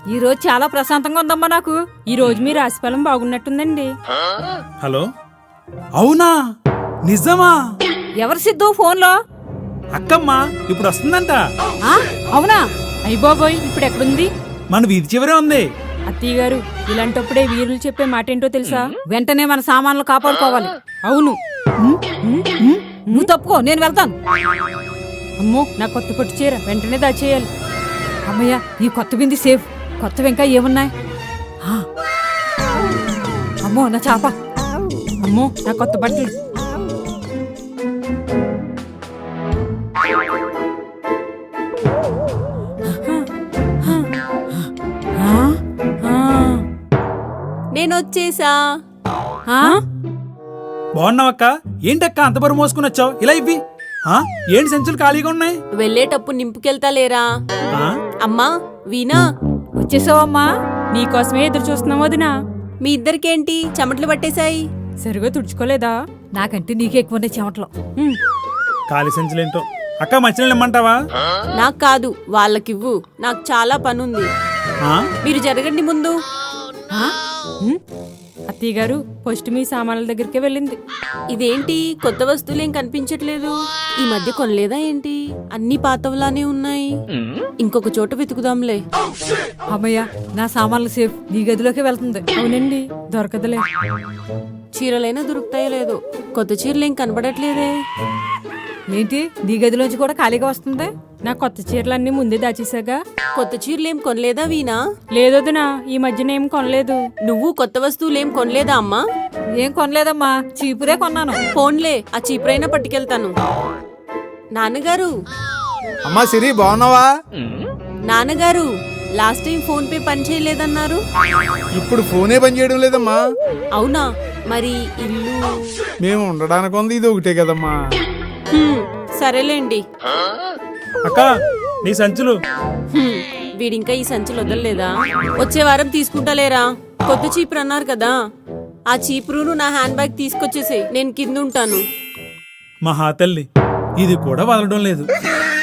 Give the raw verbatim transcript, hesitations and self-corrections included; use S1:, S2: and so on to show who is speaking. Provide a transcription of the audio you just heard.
S1: ఈ రోజు చాలా ప్రశాంతంగా ఉందమ్మా నాకు.
S2: ఈ రోజు మీ రాశిఫలం బాగున్నట్టుందండి.
S3: హలో, అవునా? నిజమా?
S1: ఎవరు సిద్ధు ఫోన్లో?
S3: అక్కమ్మ ఇప్పుడు వస్తుందంట.
S1: ఆ, అవునా?
S2: అయ్య బాబోయ్, ఇప్పుడు ఎక్కడుంది?
S3: మన వీధి చివరే ఉంది.
S2: అత్తయ్య గారు, ఇలాంటప్పుడే వీరులు చెప్పే మాట ఏంటో తెలుసా?
S1: వెంటనే మన సామాన్లు కాపాడుకోవాలి.
S2: అవును.
S1: నువ్వు తప్పుకో, నేను వెళ్తాను.
S2: అమ్మో, నా కొత్త పట్టు చీర వెంటనే దాచేయాలి.
S1: అమ్మయ్య, ఈ కొత్త బింది సేఫ్. కొత్తవి ఇంకా ఏమున్నాయి? ఆ, అమ్మో నా చాప.
S2: అమ్మో, నా కొత్త బట్టలు.
S4: నేనొచ్చేసా.
S3: బాగున్నావక్క? ఏంటక్క అంత బరువు మోసుకుని వచ్చావు? ఇలా ఇవ్వి. ఆ, ఏంటి సంచులు ఖాళీగా ఉన్నాయి?
S4: వెళ్ళేటప్పుడు నింపుకెళ్తా లేరా?
S3: ఆ?
S4: అమ్మా వీణా,
S1: వచ్చేసావమ్మా?
S2: నీకోసమే ఎదురు చూస్తున్నాం వదినా.
S4: మీ ఇద్దరికేంటి చెమటలు పట్టేశాయి?
S2: సరిగా తుడుచుకోలేదా?
S1: నాకంటే నీకే ఎక్కువ చెమటలు.
S3: ఖాళీ సంచులేంటో. అక్క మంచినీళ్ళు ఇమ్మంటావా?
S4: నాకు కాదు, వాళ్ళకివ్వు. నాకు చాలా పనుంది.
S3: ఆ?
S4: మీరు జరగండి ముందు.
S2: అత్తయ్య గారు, ఫస్ట్ మీ సామాన్ల దగ్గరికే వెళ్ళింది.
S4: ఇదేంటి కొత్త వస్తువులేం కనిపించట్లేదు? ఈ మధ్య కొనలేదా ఏంటి? అన్ని పాతవలానే ఉన్నాయి. ఇంకొక చోట వెతుకుదాంలే.
S1: అమ్మయ్య, నా సామాన్లు సేఫ్. నీ గదిలోకి వెళ్తుంది.
S2: అవునండి, దొరకదులే.
S4: చీరలైనా దొరుకుతాయో లేదో. కొత్త చీరలేం కనబడట్లేదే.
S1: ఏంటి, నీ గదిలోంచి కూడా ఖాళీగా వస్తుంది?
S2: నా కొత్త చీరలన్నీ ముందే దాచేసాగా.
S4: కొత్త చీరలేం కొనలేదా వీణా?
S2: లేదొదినా, ఈ మధ్యన ఏం కొనలేదు.
S4: నువ్వు కొత్త వస్తువులేం కొనలేదా అమ్మా?
S1: ఏం కొనలేదమ్మా, చీపురే కొన్నాను.
S4: ఫోన్లే, ఆ చీపురైనా పట్టుకెళ్తాను. నాన్నగారు
S5: అమ్మా సిరి, బాగున్నావా?
S4: నాన్నగారు, లాస్ట్ టైం ఫోన్ పే పని చేయలేదన్నారు.
S5: ఇప్పుడు ఫోనే పని చేయడం లేదమ్మా.
S4: అవునా? మరి ఇల్లు?
S5: మేము ఉండడానికి ఉంది, ఇది ఒకటే కదమ్మా.
S4: హ్మ్, సరేలేండి.
S3: అక్క నీ సంచులు.
S4: హ్మ్, వీడింకా ఈ సంచులు వదలలేదా? వచ్చే వారం తీసుకుంటాలేరా? కొత్త చీపురు అన్నారు కదా, ఆ చీపురును నా హ్యాండ్ బ్యాగ్ తీసుకొచ్చేసే. నేను కింద ఉంటాను.
S3: మహా తల్లి, ఇది కూడా వదలడం లేదు.